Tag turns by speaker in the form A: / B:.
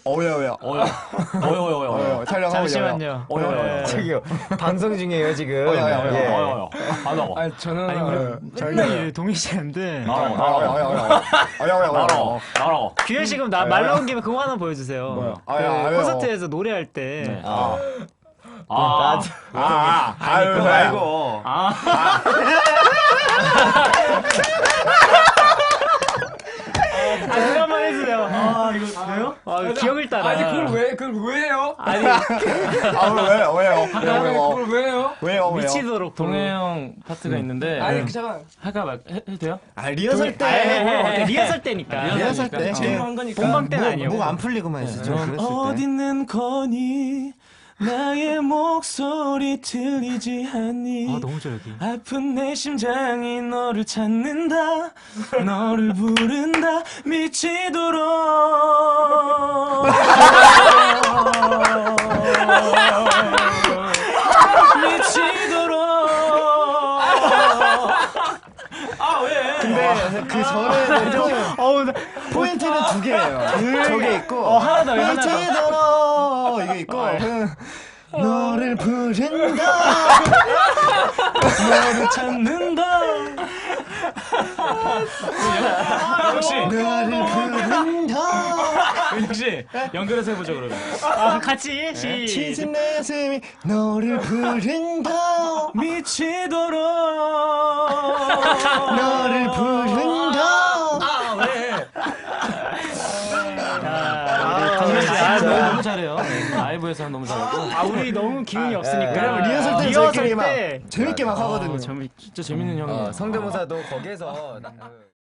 A: 어여야.
B: 어여.
A: 촬영하고
C: 잠시만요.
B: 어여.
D: 저기요 방송 중이에요 지금.
B: 어여. 하다고.
E: 아니 저는
C: 아니 우리 맨날 동희 씨한테
B: 나라고.
C: 규현 씨 그럼 말 나온 김에 그거 하나 보여주세요. 그 콘서트에서 노래할 때.
D: 그거 말고.
C: 그거 한번 해주세요. 이거 왜요? 기억을 따라.
E: 아니 그걸 왜 해요?
C: 아니
E: 그걸 왜 해요?
A: 왜요?
C: 미치도록
B: 동해 형 파트가 있는데.
E: 아니 잠깐.
B: 할까 해도 돼요?
D: 리허설 때.
C: 리허설 때니까.
D: 리허설 때.
B: 제대로 한 거니까.
C: 본방 때는 아니에요.
D: 목 안 풀리고만 있었죠.
B: 넌 어딨는 거니? 나의 목소리 들리지 않니?
C: 너무 좋아 여기.
B: 아픈 내 심장이 너를 찾는다. 너를 부른다. 미치도록. 미치도록.
D: 근데 그 전에 포인트는 두 개예요. 저게 있고
C: 하나 더 하나 더.
D: 미치도록 이게 있고 너를 부른다.
B: 너를 찾는다. 역시
D: 너를 부른다.
B: 역시 연결해서 해보죠 그러면.
C: 같이
D: 치진 내 가슴이 너를 부른다.
B: 미치도록.
D: 너를 부른다.
C: 강민 씨,
B: 너무 잘해요. 라이브에서는 너무 잘하고.
C: 우리 너무 기운이 없으니까.
D: 왜냐면 리허설 때 저희끼리 막 재밌게 막 하거든요.
B: 진짜 재밌는 형이에요.
D: 성대모사도 거기에서